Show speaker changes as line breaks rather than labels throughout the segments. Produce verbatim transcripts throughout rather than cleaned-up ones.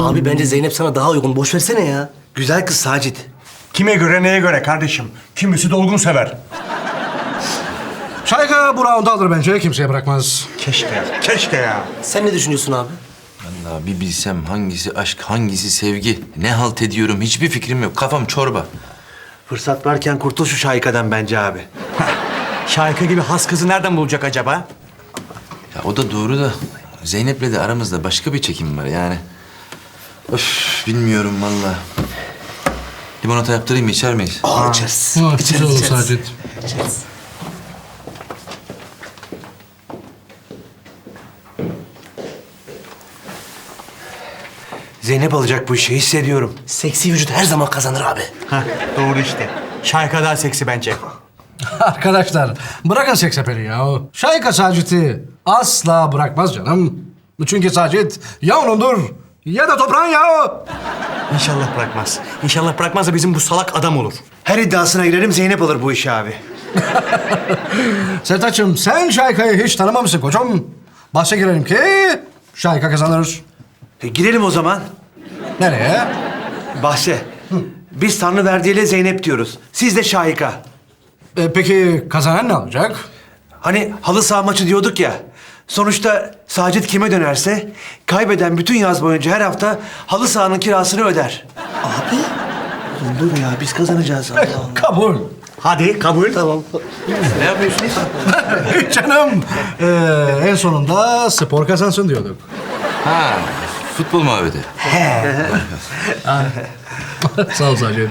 Abi bence Zeynep sana daha uygun. Boş versene ya.
Güzel kız Sacit.
Kime göre neye göre kardeşim? Kimisi dolgun sever.
Şayka bu roundu alır bence. Kimseye bırakmaz.
Keşke ya, keşke ya.
Sen ne düşünüyorsun abi?
Vallahi bir bilsem hangisi aşk, hangisi sevgi. Ne halt ediyorum hiçbir fikrim yok. Kafam çorba.
Fırsat varken kurtul şu şaikadan bence abi.
Şahika gibi has kızı nereden bulacak acaba?
Ya o da doğru da Zeynep'le de aramızda başka bir çekim var yani. Öf bilmiyorum vallahi. Limonata yaptırayım mı içer miyiz?
Aa, içeriz.
Ha,
İçeriz,
güzel olur
içeriz.
Sacit.
İçeriz.
Zeynep alacak bu işi hissediyorum.
Seksi vücut her zaman kazanır abi.
Heh, doğru işte. Şahika daha seksi bence.
Arkadaşlar bırakın seksapeli ya. Şayka Sacit'i asla bırakmaz canım. Çünkü Sacit ya onundur ya da toprağın ya.
İnşallah bırakmaz. İnşallah bırakmaz da bizim bu salak adam olur.
Her iddiasına girerim Zeynep alır bu işi abi.
Sertaç'ım sen Şayka'yı hiç tanımamışsın koçum. Bahse girelim ki Şayka kazanır.
E, girelim o zaman.
Nereye?
Bahse. Biz Tanrı verdiğiyle Zeynep diyoruz. Siz de şahika.
E, peki kazanan ne olacak?
Hani halı saha maçı diyorduk ya. Sonuçta Sacit kime dönerse kaybeden bütün yaz boyunca her hafta halı sahanın kirasını öder.
Abi. Oğlum dur ya biz kazanacağız. Allah Allah.
Kabul.
Hadi kabul.
Tamam.
Ne yapıyorsunuz?
Canım. Ee, en sonunda spor kazansın diyorduk.
Ha futbol muhabbeti.
Sağ ol Sacit.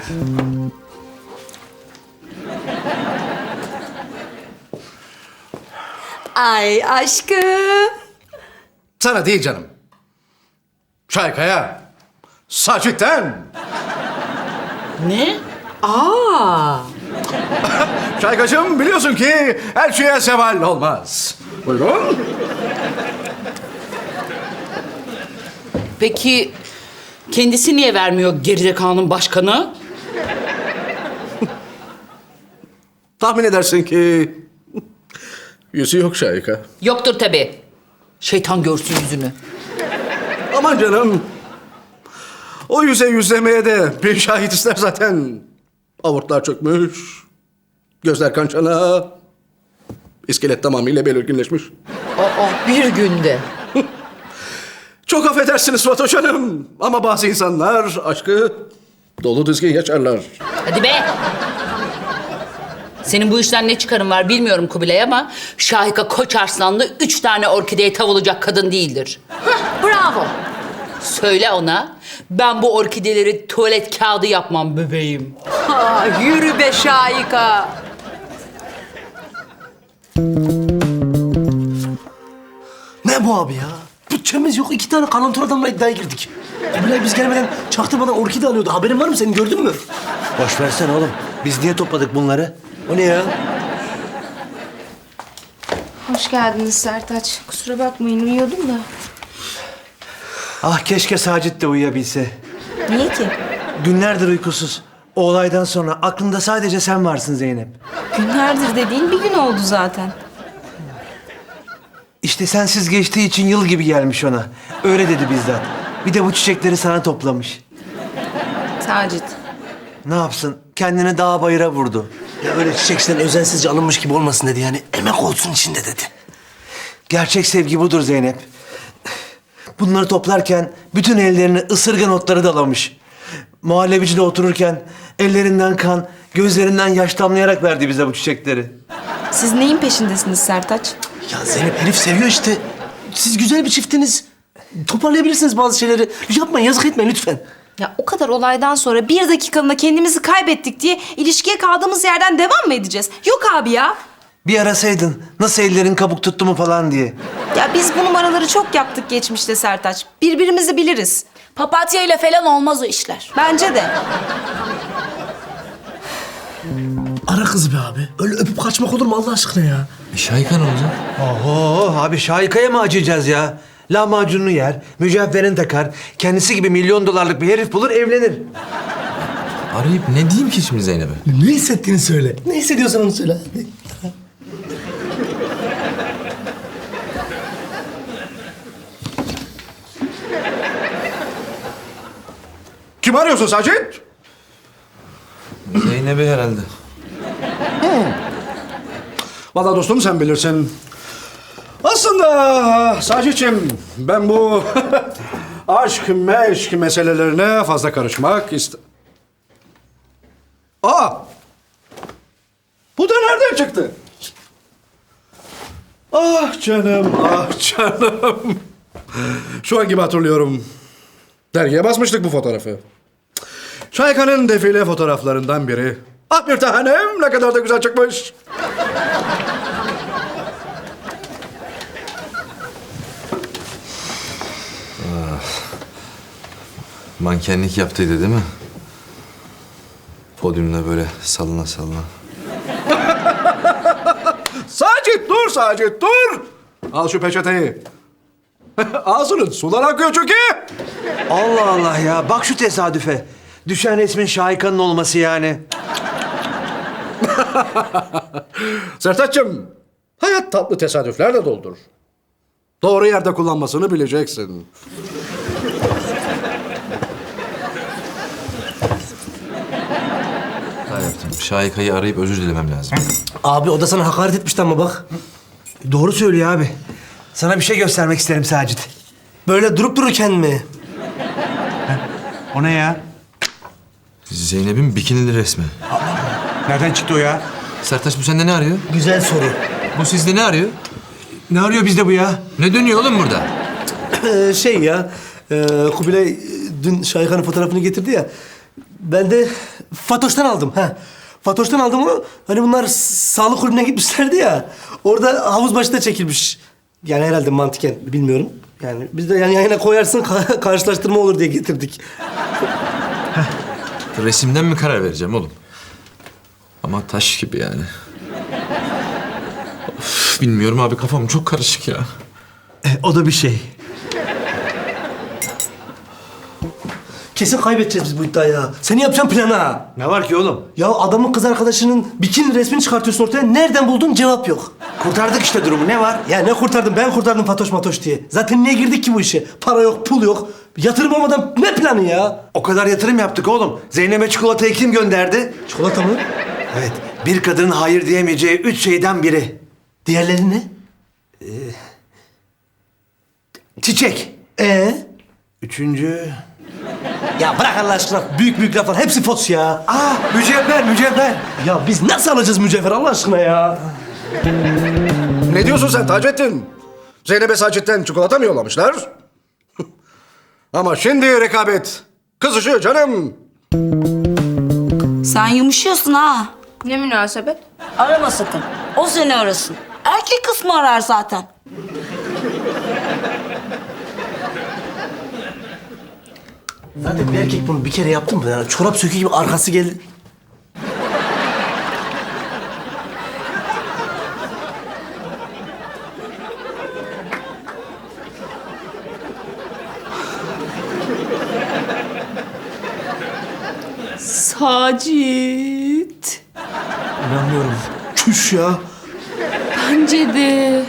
Ay aşkım.
Sana değil canım. Şayka'ya. Sacit'ten.
Ne? Aa.
Şaykacığım biliyorsun ki her şeye seval olmaz. Buyurun.
Peki kendisi niye vermiyor gerizekanın başkanı?
Tahmin edersin ki yüzü yok Şayka.
Yoktur tabii. Şeytan görsün yüzünü.
Aman canım. O yüze yüzlemeye de bir şahit ister zaten. Avurtlar çökmüş. Gözler kan çana. İskelet tamamıyla belirginleşmiş.
Aa, bir günde.
Çok affedersiniz Fatoş Hanım. Ama bazı insanlar aşkı dolu dizgin yaşarlar.
Hadi be. Senin bu işten ne çıkarın var bilmiyorum Kubilay ama Şahika Koç Arslanlı üç tane orkideye tav olacak kadın değildir. Hah, bravo. Söyle ona, ben bu orkideleri tuvalet kağıdı yapmam bebeğim.
Ha, yürü be Şahika.
Ne bu abi ya? Bütçemiz yok. İki tane kalantor adamla iddiaya girdik. Kubilay biz gelmeden çaktırmadan orkide alıyordu. Haberin var mı senin? Gördün mü?
Boş versene oğlum. Biz niye topladık bunları? O ne ya?
Hoş geldiniz Sertaç. Kusura bakmayın uyuyordum da.
Ah keşke Sacit de uyuyabilse.
Niye ki?
Günlerdir uykusuz. O olaydan sonra aklında sadece sen varsın Zeynep.
Günlerdir dediğin bir gün oldu zaten.
İşte sensiz geçtiği için yıl gibi gelmiş ona. Öyle dedi bizzat. Bir de bu çiçekleri sana toplamış.
Sacit.
Ne yapsın? Kendini dağ bayıra vurdu.
Ya öyle çiçekten özensizce alınmış gibi olmasın dedi. Yani emek olsun içinde dedi.
Gerçek sevgi budur Zeynep. Bunları toplarken bütün ellerini ısırgan otları dalamış. Muhallebicide otururken ellerinden kan, gözlerinden yaş damlayarak verdi bize bu çiçekleri.
Siz neyin peşindesiniz Sertaç?
Ya Zeynep herif seviyor işte. Siz güzel bir çiftiniz. Toparlayabilirsiniz bazı şeyleri. Yapmayın, yazık etmeyin lütfen.
Ya o kadar olaydan sonra bir dakikalığına kendimizi kaybettik diye ilişkiye kaldığımız yerden devam mı edeceğiz? Yok abi ya.
Bir arasaydın nasıl ellerin kabuk tuttu mu falan diye.
Ya biz bu numaraları çok yaptık geçmişte Sertaç. Birbirimizi biliriz.
Papatya ile falan olmaz o işler.
Bence de.
Ara kızı be abi. Öyle öpüp kaçmak olur mu Allah aşkına ya?
E, Şayka ne olacak?
Oho abi Şahika'ya mı acıyacağız ya? Lahmacununu yer, mücevherini takar, kendisi gibi milyon dolarlık bir herif bulur evlenir.
Arayıp ne diyeyim ki şimdi Zeynep'e?
Ne hissettiğini söyle. Ne hissediyorsan onu söyle. Hadi.
Kim arıyorsun Sacit?
Zeynep'i herhalde.
Vallahi dostum sen bilirsin. Aslında Sacit'ciğim ben bu aşk meşk meselelerine fazla karışmak iste... Aa! Bu da nereden çıktı? Ah canım, ah canım. Şu an gibi hatırlıyorum. Dergiye basmıştık bu fotoğrafı. Şahika'nın defile fotoğraflarından biri. Ah bir tanem ne kadar da güzel çıkmış.
Mankenlik yaptıydı değil mi? Podyumda böyle sallana sallana.
Sacit dur Sacit dur. Al şu peçeteyi. Ağzının sular akıyor çünkü.
Allah Allah ya. Bak şu tesadüfe. Düşen resmin Şahika'nın olması yani.
Sertaç'cığım, hayat tatlı tesadüflerle doldur. Doğru yerde kullanmasını bileceksin.
Hata yaptım. Şahika'yı arayıp özür dilemem lazım.
Abi o da sana hakaret etmişti ama bak.
Doğru söylüyor abi. Sana bir şey göstermek isterim Sacit.
Böyle durup dururken mi?
O ne ya?
Zeynep'in bikinili resmi.
Nereden çıktı o ya?
Sertaç bu sende ne arıyor?
Güzel soru.
Bu sizde ne arıyor?
Ne arıyor bizde bu ya?
Ne dönüyor oğlum burada?
Ee, şey ya, e, Kubilay e, dün Şahika'nın fotoğrafını getirdi ya. Ben de Fatoş'tan aldım. Ha. Fatoş'tan aldım onu. Hani bunlar s- sağlık kulübüne gitmişlerdi ya. Orada havuz başında çekilmiş. Yani herhalde mantıken bilmiyorum. Yani biz de yani yayına koyarsın ka- karşılaştırma olur diye getirdik.
Resimden mi karar vereceğim oğlum? Ama taş gibi yani. Of, bilmiyorum abi kafam çok karışık ya.
E, o da bir şey.
Kesin kaybedeceğiz biz bu iddiayı ya. Senin yapacağın plan ha.
Ne var ki oğlum?
Ya adamın kız arkadaşının bikini resmini çıkartıyorsun ortaya. Nereden buldun? Cevap yok.
Kurtardık işte durumu. Ne var?
Ya ne kurtardım? Ben kurtardım Fatoş Matoş diye. Zaten niye girdik ki bu işe? Para yok, pul yok. Yatırım olmadan ne planı ya?
O kadar yatırım yaptık oğlum. Zeynep'e çikolatayı kim gönderdi?
Çikolata mı?
Evet. Bir kadının hayır diyemeyeceği üç şeyden biri.
Diğerleri ne?
Çiçek.
Ee?
Üçüncü...
Ya bırak Allah aşkına. Büyük büyük laflar. Hepsi fos ya.
Aa, mücevher, mücevher.
Ya biz nasıl alacağız mücevher Allah aşkına ya?
Ne diyorsun sen Taceddin? Zeynep'e Sacit'ten çikolata mı yollamışlar? Ama şimdi rekabet kızışıyor canım.
Sen yumuşuyorsun ha.
Ne münasebet?
Arama sakın. O seni arasın. Erkek kısmı arar zaten.
Zaten bir erkek bunu bir kere yaptı mı? Yani çorap sökü gibi arkası geldi.
Sacit.
İnanmıyorum. Çüş ya.
Bence de.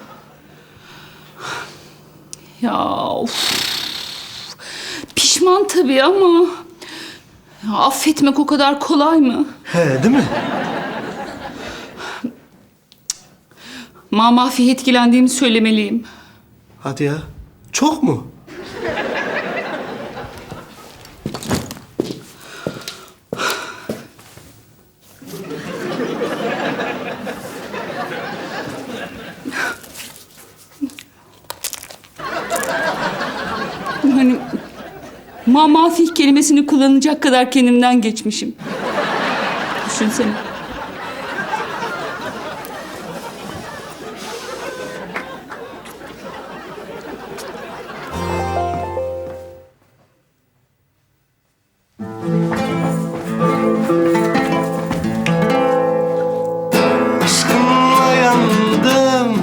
Ya of. Pişman tabii ama... Ya, affetmek o kadar kolay mı?
He değil mi?
Mamafi etkilendiğimi söylemeliyim.
Hadi ya. Çok mu?
Hani mamafih kelimesini kullanacak kadar kendimden geçmişim. Düşünsene.
Aşkınla yandım.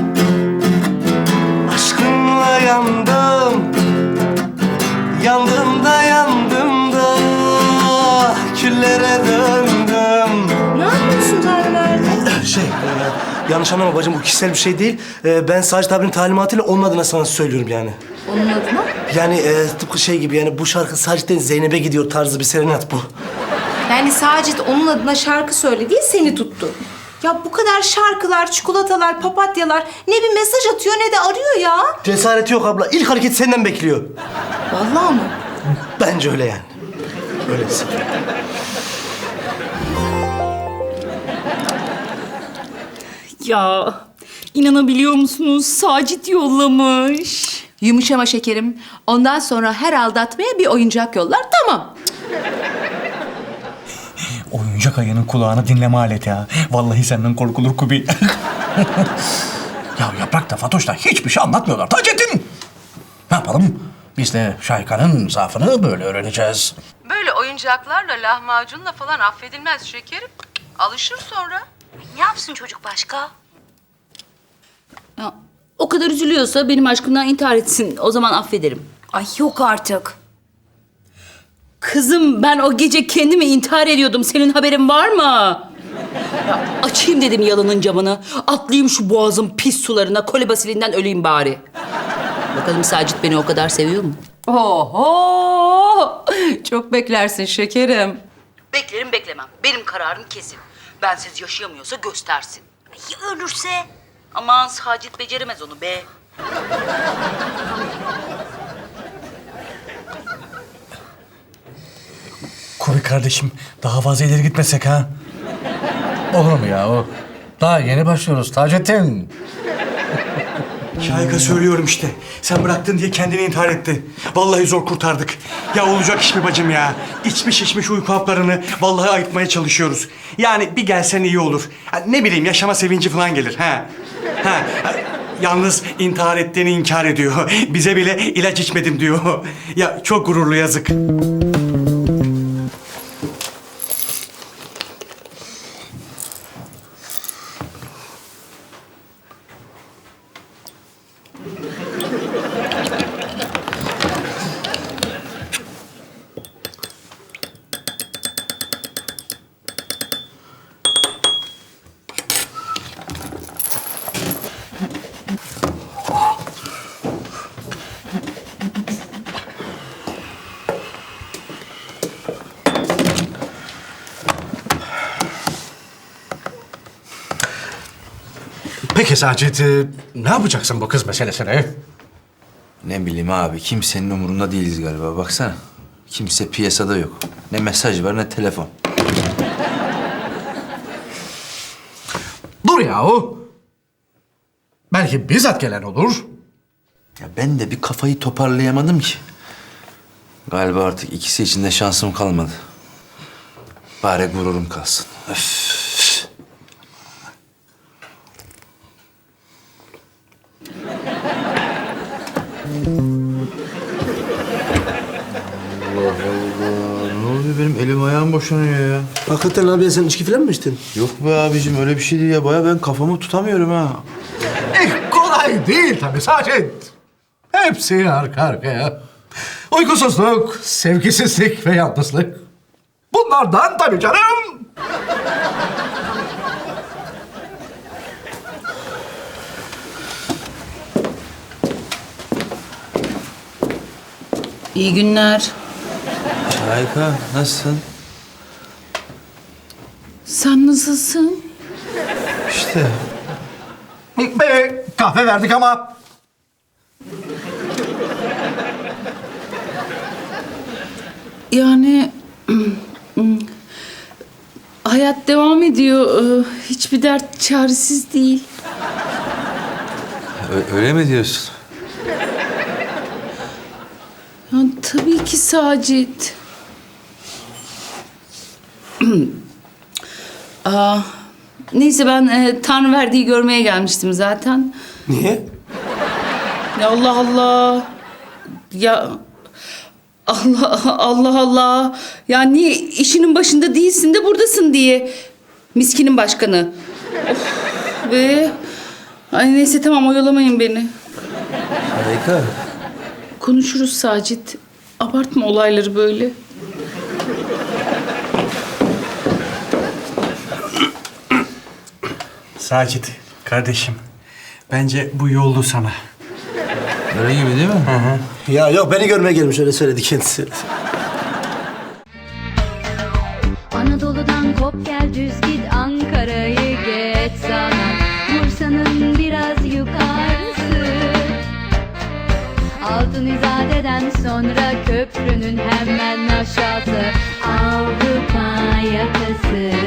Aşkınla yandım. Yandım da yandım da küllere döndüm.
Ne yapıyorsun Tanrıverdi?
Şey, e, yanlış anlama bacım bu kişisel bir şey değil. E, ben Sacit abinin talimatıyla onun adına sana söylüyorum yani.
Onun adına?
Yani e, tıpkı şey gibi yani bu şarkı Sacit'ten Zeynep'e gidiyor tarzı bir serenat bu.
Yani Sacit onun adına şarkı söyledi, seni tuttu. Ya bu kadar şarkılar, çikolatalar, papatyalar ne bir mesaj atıyor ne de arıyor ya.
Cesareti yok abla. İlk hareket senden bekliyor.
Vallahi mı?
Bence öyle yani. Öylesin.
Ya inanabiliyor musunuz? Sacit yollamış.
Yumuşama şekerim. Ondan sonra her aldatmaya bir oyuncak yollar. Tamam.
Oyuncak ayının kulağını dinleme aleti ha. Vallahi senden korkulur Kubi. Ya Yaprak da Fatoş da hiçbir şey anlatmıyorlar Taceddin. Ne yapalım? Biz de Şahika'nın zaafını böyle öğreneceğiz.
Böyle oyuncaklarla, lahmacunla falan affedilmez şekerim. Alışır sonra.
Ne yapsın çocuk başka?
Ya, o kadar üzülüyorsa benim aşkımdan intihar etsin. O zaman affederim.
Ay yok artık.
Kızım ben o gece kendimi intihar ediyordum. Senin haberin var mı? Ya, açayım dedim yalının camını. Atlayayım şu boğazın pis sularına. Kolibasilinden öleyim bari. Bakalım Sacit beni o kadar seviyor mu?
Oho! Çok beklersin şekerim.
Beklerim beklemem. Benim kararım kesin. Bensiz yaşayamıyorsa göstersin.
Ya ölürse?
Aman Sacit beceremez onu be.
Kubi kardeşim daha fazla ileri gitmesek ha? Olur mu ya o? Daha yeni başlıyoruz Taceddin.
Şahika söylüyorum işte. Sen bıraktın diye kendini intihar etti. Vallahi zor kurtardık. Ya olacak iş mi bacım ya? İçmiş içmiş uyku haplarını vallahi ayıtmaya çalışıyoruz. Yani bir gelsen iyi olur. Ha, ne bileyim yaşama sevinci falan gelir. Ha. Ha. ha, Yalnız intihar ettiğini inkar ediyor. Bize bile ilaç içmedim diyor. Ya çok gururlu yazık.
Peki Sacit, e, ne yapacaksın bu kız meselesine?
Ne bileyim abi, kimsenin umurunda değiliz galiba. Baksana, kimse piyasada yok. Ne mesaj var ne telefon.
Dur yahu. Belki bizzat gelen olur.
Ya ben de bir kafayı toparlayamadım ki. Galiba artık ikisi için de şansım kalmadı. Bari gururum kalsın. Öf. Allah Allah. Ne oluyor benim elim ayağım boşanıyor ya.
Hakikaten abi sen içki falan mı içtin?
Yok be abicim öyle bir şey değil ya. Baya ben kafamı tutamıyorum ha.
Eh, kolay değil tabii Sacit. Hepsi arka arkaya. Uykusuzluk, sevgisizlik ve yalnızlık. Bunlardan tabii canım.
İyi günler.
Şahika nasılsın?
Sen nasılsın?
İşte.
Be, kahve verdik ama
Yani hayat devam ediyor. Ee, Hiçbir dert çaresiz değil.
Ö- öyle mi diyorsun?
Ya, tabii ki Sacit. Aa, neyse ben e, Tanrıverdi'yi görmeye gelmiştim zaten.
Niye?
Ya Allah Allah. Ya Allah Allah Allah. Ya niye işinin başında değilsin de buradasın diye. Miskinin başkanı. Of be. Ay neyse tamam oyalamayın beni.
Şahika.
Konuşuruz Sacit. Abartma olayları böyle.
Sacit kardeşim. Bence bu yoldu sana.
Öyle gibi değil mi?
Ya yok beni görmeye gelmiş öyle söyledi kendisi.
Anadolu'dan kop gel düz git Ankara'yı geç sana Bursa'nın biraz yukarısı Altın İzade'den sonra köprünün hemen aşağısı Avrupa yakası